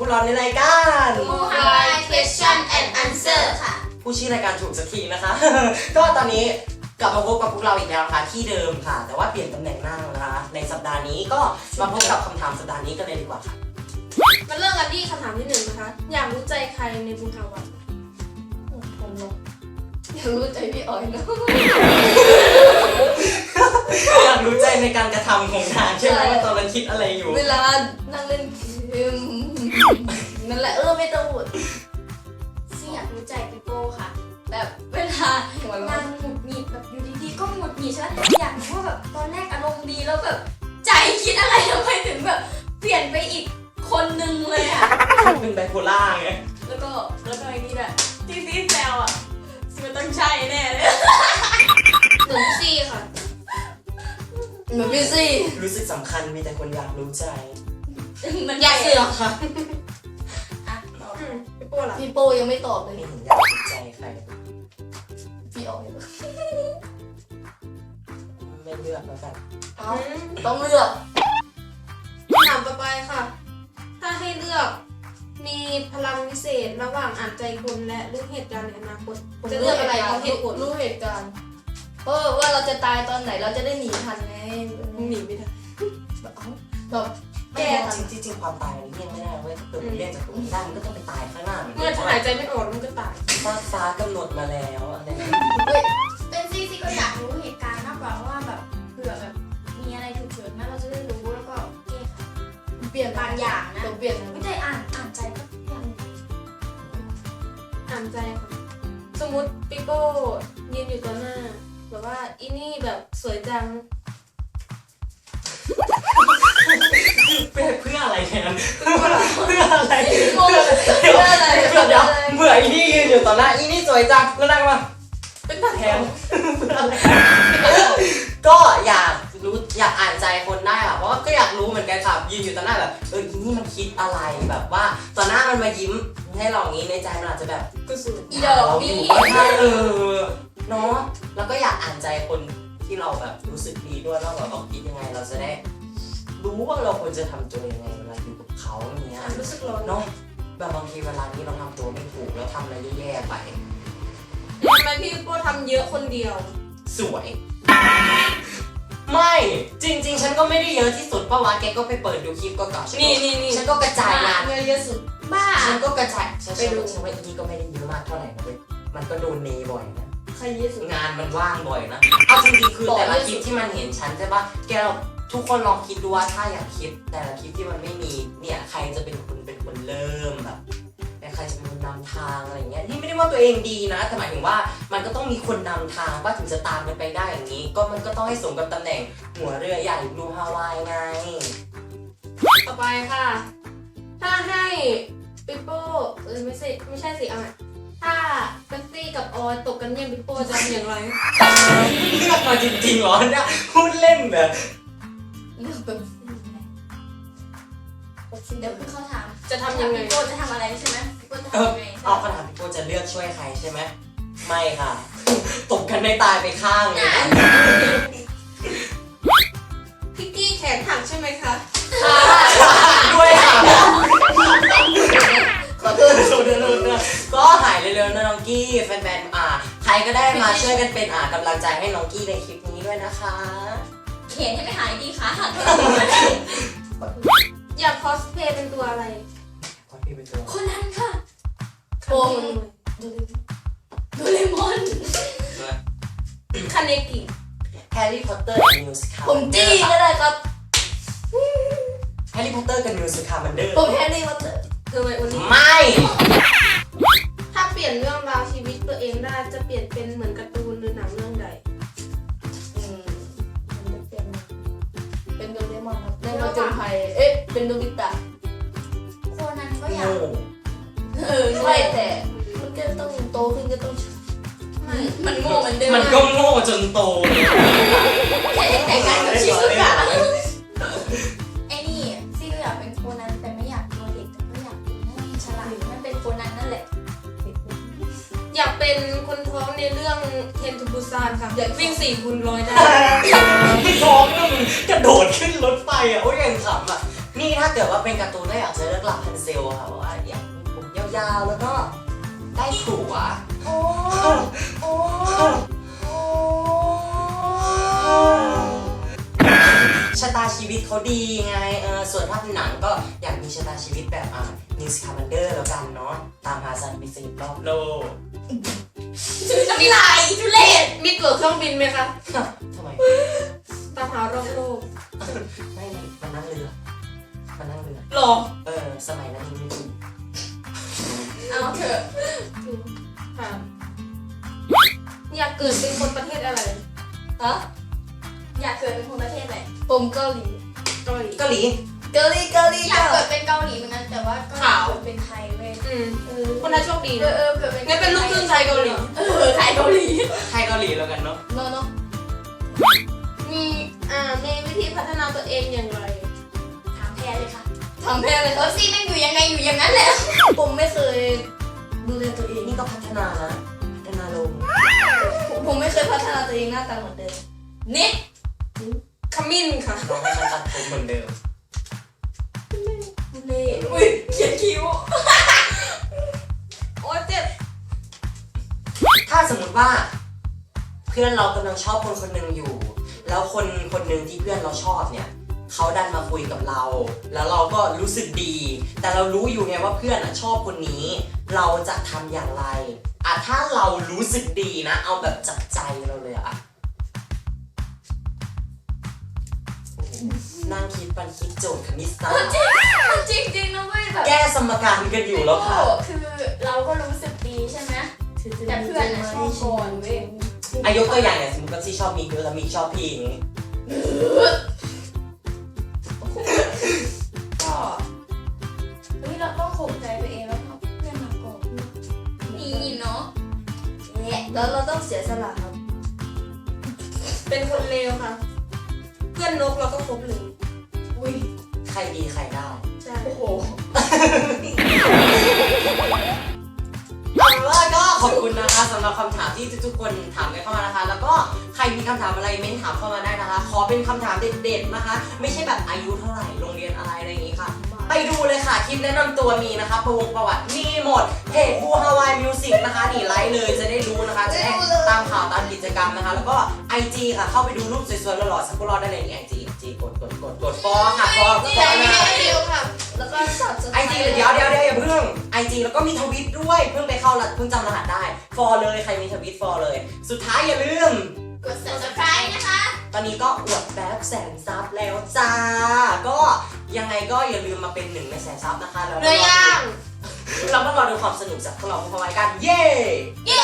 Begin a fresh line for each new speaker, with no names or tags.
พวกเราในรายการ
Mohawk Question and Answer ค่ะ
ผู้ชื่อรายการถูกสักทีนะคะ ก็ตอนนี้กลับมาพบกับพวกเราอีกแล้วนะคะที่เดิมค่ะแต่ว่าเปลี่ยนตำแหน่งนั่งนะคะในสัปดาห์นี้ก็มาพบกับคำถามสัปดาห์นี้กันเลยดีกว่าค่ะ
มาเริ่มกันที่คำถามที่ 1นะคะอยากรู้ใจใครในบุญฮาวา
ผมเนาะอยากรู้ใจพี่ออยเนาะ
อยากรู้ใจในการกระทำของนางใช่ไหมว่าตอนนั้นคิดอะไรอยู่
เวลานั่งเล่นเกมนั่นแหละไม่ต้องพูด
ซี่อยากรู้ใจปิโป้ค่ะ
แบบเวลาหัวเราะ
นางหงุดหงิดแบบอยู่ดีๆก็หงุดหงิดใช่ไหมอยากรู้ว่าแบบตอนแรกอารมณ์ดีแล้วแบบใจคิดอะไรทำไมถึงแบบเปลี่ยนไปอีกคนนึงเลยอะ
เป็นไบโพล่าไง
แล้วก็ไอ้นี่แหละที่ซีแซวอะมันต้องใช่แน่เลยหนึ่งซี่ค่ะ
เหมือนพี่ซี่
รู้สึกสำคัญมีแต่คนอยากรู้ใจ
มัน
อยากเสือกค่ะ
อ่ะปิโป้ล่ะ
พี่โป้ยังไม่ตอบเลย
ไม่เห็นอยากรู้ใจใคร
พี่ออย
ไม่เลือกแล้วกัน
เอ้าต้องเลือก
คำถามต่อไปค่ะ ถ้าให้เลือกมีพลังวิเศษระหว่างอ่านใจคนและรู้เหตุการณ์ในอนาคตจะเลือกอะไรเพราะเหตุผล
รู้เหตุการณ์ว่าเราจะตายตอนไหนเราจะได้หนีทันไง
มึงหนีไม่ได้
แบบแบบ
แก้จริงความตายมันเลี่ยงไม่ได้เว้ยถ้าเกิดมันเลี่ยงจากตรงนี้ได้มันก็ต้องไปตายข้างหน้า
เมื่อหายใจไม่ออกมันก็ตาย
ฟ้ากำหนดมาแล้วอะไรนะ
เป็นซี่ก็อยากรู้เหตุการณ์มากกว่าว่าแบบเผื่อแบบมีอะไรฉุกเฉินนะเราจะได้รู้แล้วก็แก้ไข
เปลี่ยน
บางอย่างนะ
ต้องเปลี่ยน
ไม่ได้อ่านใจก็ยัง
อ่านใจค่ะสมมติปิโป้ยืนอยู่ต่อหน้าแบบว่าอีนี่แบบสวยจัง
เพื่ออะไรแทนเพื่ออะไร
งงเพื่ออะไร
เดี๋ยวเบื่ออีนี่ยืนอยู่ต่อหน้าอีนี่สวยจังแล้วนั่งมา
เป็นตา
แท
แท
น
น
เพื่ออะไรก็อยากรู้อยากอ่านใจคนได้ค่ะเพราะว่าก็อยากรู้เหมือนกันค่ะยืนอยู่ต่อหน้าแบบอีนี่มันคิดอะไรแบบว่าต่อหน้ามันมายิ้มให้เราอย่างนี้ในใจมันอาจจะแบบ
ก็สวย
อีดอก
อ
นี่
ยู่ก็ใช่เนาะแล้วก็อยากอ่านใจคนที่เราแบบรู้สึกดีด้วยแล้วแบบเขาคิดยังไงเราจะได้รู้ว่าเราควรจะทำตัวยังไงเวลาอยู่กับเขาอย่างเงี้ย
รู้สึกร้อน
เนาะแบบบางทีเวลานี้เราทำตัวไม่ถูกแล้วทำอะไรแย่ๆไป
ทำไมพี่ปิโป้ทำเยอะคนเดียว
สวย ไม่จริง ๆ ฉันก็ไม่ได้เยอะที่สุดเพราะว่าแกก็ไปเปิดดูคลิปก็เก่าๆฉั
นี่
ฉันก็กระจายงาน
เงินเยอะสุด
บ้า
ฉันก็กระจายฉัน
ไปดู
ฉันว่าอีนี่ก็ไม่ได้เยอะมากเท่าไหร่นะเว้ยมันก็โดนเนบ่อยนะ
ใครเยอะสุด
งานมันว่างบ่อยนะเอาจริงๆคือแต่ละคลิปที่มันเห็นฉันใช่ปะแกทุกคนลองคิดดูว่าถ้าอยากคิดแต่ละคลิปที่มันไม่มีเนี่ยใครจะเป็นคนเริ่มแบบใครจะเป็นคนนำทางอะไรเงี้ยนี่ไม่ได้ว่าตัวเองดีนะแต่หมายถึงว่ามันก็ต้องมีคนนำทางว่าถึงจะตามกันไปได้อย่างนี้ ก็มันก็ต้องให้สมกับตำแหน่งหัวเรือใหญ่บลูฮาวายไง
ต่อไปค่ะ ถ้าให้ปิโป้ไม่ใช่สิเอาใหม่ถ้าเป็นซี่กับออยตกกันเนี่ยปิโป้จะทำอย่างไร
เลือกมาจริงๆเหรอเนี่ยพูดเล่นแบบ
เลือกแบบ
เดี๋ยวคือเขาถาม
จะทำยังไง
พี่โก้จะทำอะไรใช่ไหมพี่โก้จะทำยังไง
เอาคำถามพี่โก้จะเลือกช่วยใครใช่ไหมไม่ค่ะ ตกกันไม่ตายไปข้างเลยนะ
พิกกี้แขนหักใช่ไหมคะ
ด้วยค่ะ
ขอโทษ
ก็หายเร็วๆนะน้องกี้แฟนๆใครก็ได้มาช่วยกันเป็นกำลังใจให้น้องกี้ในคลิปนี้ด้วยนะคะ
เขียนให้ไม่หายดีค่ะ
อยากคอสเพลย์เป็นตัวอะไร
ขอพี่ไปตัว
คนนั้นค่ะ
โป้ง
โดเรมอน
คาเนกิ
แฮร์รี่พอตเตอร์กับมิวสิคา
ผมจี้ก็ได้ครับ
แฮร์รี่พอตเตอร์กับมิวสิคามันเดอร์
ผมแฮร์รี่พอตเตอร์
เธอไว้วันนี้
ไม่
ถ้าเปลี่ยนเรื่องราวชีวิตตัวเองได้จะเปลี่ยนเป็นเหมือนการ์ตูนหรือหนังเรื่องใด
มันจะเป็นโดเรมอนครับในมาจนภัยเป็นโนบิตะ
โคนันก็อยาก
โง่
ใช่แต่มันก็ต้องโตขึ้นก็ต้อง
มันโง่เหมือนเดิม
มันก็โง่จนโต
แค่แต่งงานกับชิซุกะไอ้นี่ซี่ก็อยากเป็นโคนันแต่ไม่อยากตัวเด็กแต่ก็อยากเป็นให้ฉลาดมันเป็นโคนันนั่นแหละ
อยากเป็นคนท้องในเรื่องเทนทูบูซานค่ะอยากวิ่ง4 คูณ 100ได้
ท้องนั่นมันกระโดดขึ้นรถไฟโอ้ยยังขำนี่ถ้าเกิดว่าเป็นการ์ตูนก็อยากจะเลือกลาพันเซลค่ะเพราะว่าอยากมีผมยาวๆแล้วก็ได้ผัว
โอ้โอ้โอ้
ชะตาชีวิตเขาดีไงส่วนถ้าเป็นหนังก็อยากมีชะตาชีวิตแบบนิวส์คาร์บันเดอร์แล้วกันเนาะตามหาสัตว์มีชีวิตรอบโลก
ชื่อน้ำลายทุเรศ
มีตั๋วเครื่องบินไหมคะ
ทำไม
ตามหารอบโลก
ไม่มันนั่งเรือมันนั่งเรือ
หรอ
สมัยนั้นยังไม่มี
เอาเถอะ
ค่ะอยากเกิดเป็นคนประเทศอะไร
ฮะอยากเกิดเป็นคนประเทศไหน
ผมเกาหลี
เกาหลี
เกาหลี
เกาหลีเกาหลี
อยากเกิดเป็นเกาหลีเหมือนกันแต่ว่าก็อยากเกิดเป็นไทยเว้ย
คนนั้นโชคดีนะ
เกิดเป็น
งั้นเป็นลูกครึ่งไทยเกาหลี
ไทยเกาหลี
ไทยเกาหลีแล้วกันเนาะ
เนาะเนาะ
มีวิธีพัฒนาตัวเองอย่างไร
ถามแพรเลยค่ะ
ทำแพ้เลย
ซี่แม่งอยู่ยังไงอยู่อย่างนั้นแหละ
ผมไม่เคยดูแลตัวเอง
นี่ก็พัฒนานะพัฒนาลง
ผมไม่เคยพัฒนาตัวเองหน้าตาเหมือนเดิม
นี่
ขมิ้นค่ะ
น้องให้มันตัดผมเหมือนเดิม
เล่อุ้ยเขียนคิ้ว
โอ้เจ็บ
ถ้าสมมติว่า เพื่อนเรากำลังชอบคนคนหนึ่งอยู่ แล้วคนคนหนึ่งที่เพื่อนเราชอบเนี่ยเขาดันมาคุยกับเรา แล้วเราก็รู้สึกดี แต่เรารู้อยู่ไงว่าเพื่อนชอบคนนี้ เราจะทำอย่างไรถ้าเรารู้สึกดีนะ เอาแบบจากใจเราเลยนั่งคิดปันคิดโจทย์คณิตศาสตร์
จริงๆนะเว้ยแบบ
แก้สมการกันอยู่แล้วค่ะ
คือเราก็รู้สึกดีใช่ไหมแต่เพื่อนชอบก่อนเว้ย
ยกตัวอย่างอย่างสมมติว่าซี่ชอบมีแล้วมีชอบพี่อย่างงี้ก็
เฮ้ยเราต้องข่มใจตัวเองแล้วก็เพื่อนมาก่อนนี่เนาะเนี่ย
แล้วเราต้องเสียสละครับ
เป็นคนเลวค่ะ เพื่อนนกเราก็คบเลย
อุ้ย
ใครดีใครได้
ใช่
โอ้โห
เอาละก็ขอบคุณนะคะสำหรับคำถามที่ทุกๆคนถามกันเข้ามานะคะ แล้วก็ใครมีคำถามอะไรเม้นถามเข้ามาได้นะคะ ขอเป็นคำถามเด็ดๆนะคะ ไม่ใช่แบบอายุเท่าไหร่โรงเรียนอะไรอย่างนี้ค่ะ ไปดูเลยค่ะคลิปแนะนำตัวมีนะคะประวัติมีหมดเพจบูฮาวายมิวสิกนะคะนี่ไลค์เลยจะได้รู้นะคะจะได้ตามข่าวตามกิจกรรมนะคะ แล้วก็ IG ค่ะเข้าไปดูรูปสวยๆหล่อๆสักพวกเราได้เลยนี่ IG กดฟอค่ะฟอนะ
เร็วค่ะ
แล้วก็สับส
ไอจีเดี๋ยวอย่าเพิ่งไอจีแล้วก็มีทวิตด้วยเพิ่งไปเข้าเพิ่งจำรหัสได้ฟอเลยใครมีทวิตฟอเลย สุดท้ายอย่าลืม
กด subscribe นะคะ
ตอนนี้ก็อวดแบบ100,000 ซับแล้วจ้า ก็ยังไงก็อย่าลืมมาเป็น1 ใน100,000 ซับนะคะแล้ว
เนื้อย่าง
เราก็รอดูความสนุกจากพวกเราพร้อมๆกันเย้
เย้